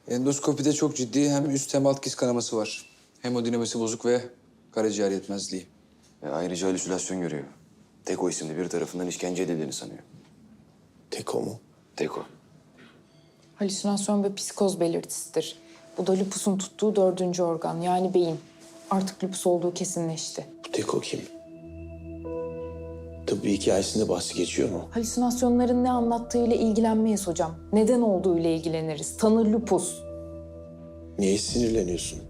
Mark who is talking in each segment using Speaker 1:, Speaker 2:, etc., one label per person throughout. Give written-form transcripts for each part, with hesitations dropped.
Speaker 1: Endoskopide çok ciddi hem üst hem alt diz kanaması var. Hemodinamisi bozuk ve karaciğer yetmezliği.
Speaker 2: Ayrıca halüsinasyon görüyor. Teko isimli biri tarafından işkence edildiğini sanıyor.
Speaker 3: Teko mu?
Speaker 2: Teko.
Speaker 4: Halüsinasyon ve psikoz belirtisidir. Bu da lüpusun tuttuğu 4. organ yani beyin. Artık lupus olduğu kesinleşti.
Speaker 3: Bu Teko kim? Tıbbi hikayesinde bahsi geçiyor mu?
Speaker 4: Halüsinasyonların ne anlattığıyla ilgilenmeyiz hocam. Neden olduğuyla ilgileniriz. Tanı lupus.
Speaker 3: Niye sinirleniyorsun?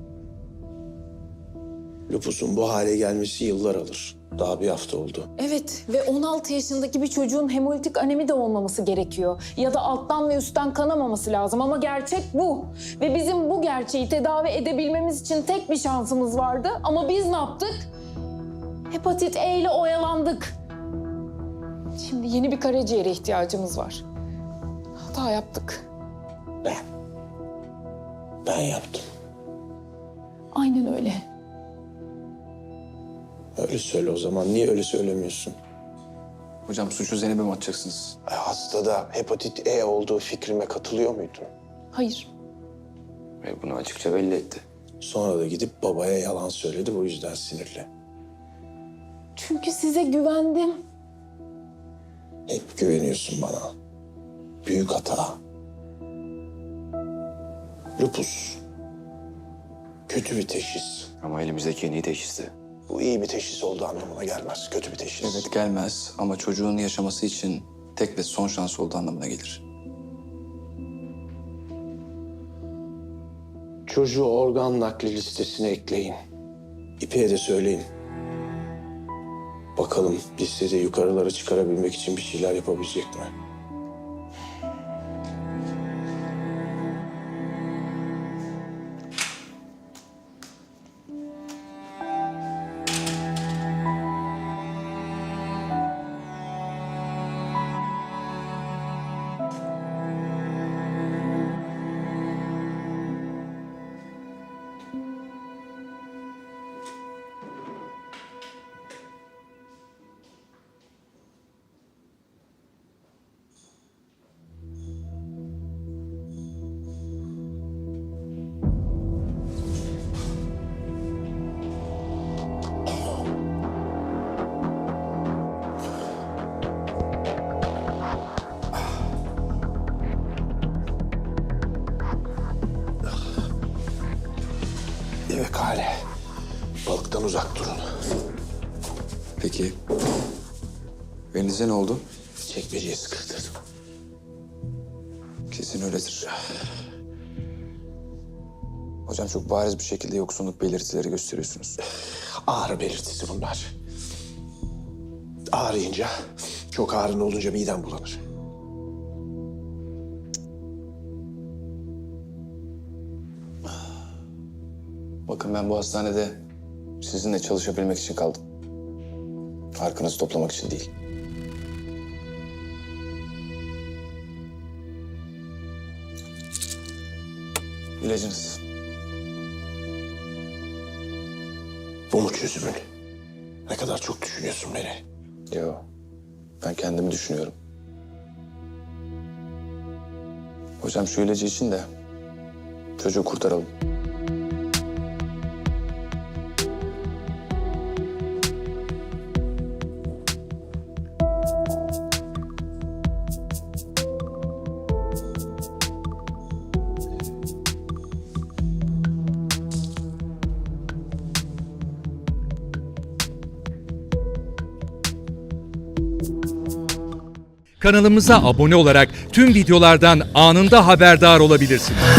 Speaker 3: Lupusun bu hale gelmesi yıllar alır. Daha bir hafta oldu.
Speaker 4: Evet ve 16 yaşındaki bir çocuğun hemolitik anemi de olmaması gerekiyor. Ya da alttan ve üstten kanamaması lazım ama gerçek bu. Ve bizim bu gerçeği tedavi edebilmemiz için tek bir şansımız vardı. Ama biz ne yaptık? Hepatit E ile oyalandık. Şimdi yeni bir karaciğere ihtiyacımız var. Hata yaptık.
Speaker 3: Ben yaptım.
Speaker 4: Aynen öyle.
Speaker 3: Öyle söyle o zaman. Niye öyle söylemiyorsun?
Speaker 1: Hocam suçu Zeynep'e mi atacaksınız?
Speaker 3: Hastada hepatit E olduğu fikrime katılıyor muydun?
Speaker 4: Hayır.
Speaker 2: Ve bunu açıkça belli etti.
Speaker 3: Sonra da gidip babaya yalan söyledi. Bu yüzden sinirli.
Speaker 4: Çünkü size güvendim.
Speaker 3: Hep güveniyorsun bana. Büyük hata. Lupus. Kötü bir teşhis.
Speaker 2: Ama elimizdeki en iyi teşhisti.
Speaker 3: Bu iyi bir teşhis olduğu anlamına gelmez. Kötü bir teşhis.
Speaker 1: Evet gelmez ama çocuğun yaşaması için tek ve son şans olduğu anlamına gelir.
Speaker 3: Çocuğu organ nakli listesine ekleyin. İpek'e de söyleyin. Bakalım listede yukarılara çıkarabilmek için bir şeyler yapabilecek mi? Evet Hale. Balıktan uzak durun.
Speaker 1: Peki elinize ne oldu?
Speaker 3: Çekmeceye sıkıştırdım.
Speaker 1: Kesin öyledir. Hocam çok bariz bir şekilde yoksunluk belirtileri gösteriyorsunuz.
Speaker 3: Ağrı belirtisi bunlar. Ağrıyınca, çok ağrın olunca midem bulanır.
Speaker 1: Bakın ben bu hastanede sizinle çalışabilmek için kaldım. Arkanızı toplamak için değil. İlacınız.
Speaker 3: Bu mu çözümün? Ne kadar çok düşünüyorsun beni.
Speaker 1: Yo, ben kendimi düşünüyorum. Hocam şu ilacı için de çocuğu kurtaralım.
Speaker 5: Kanalımıza abone olarak tüm videolardan anında haberdar olabilirsiniz.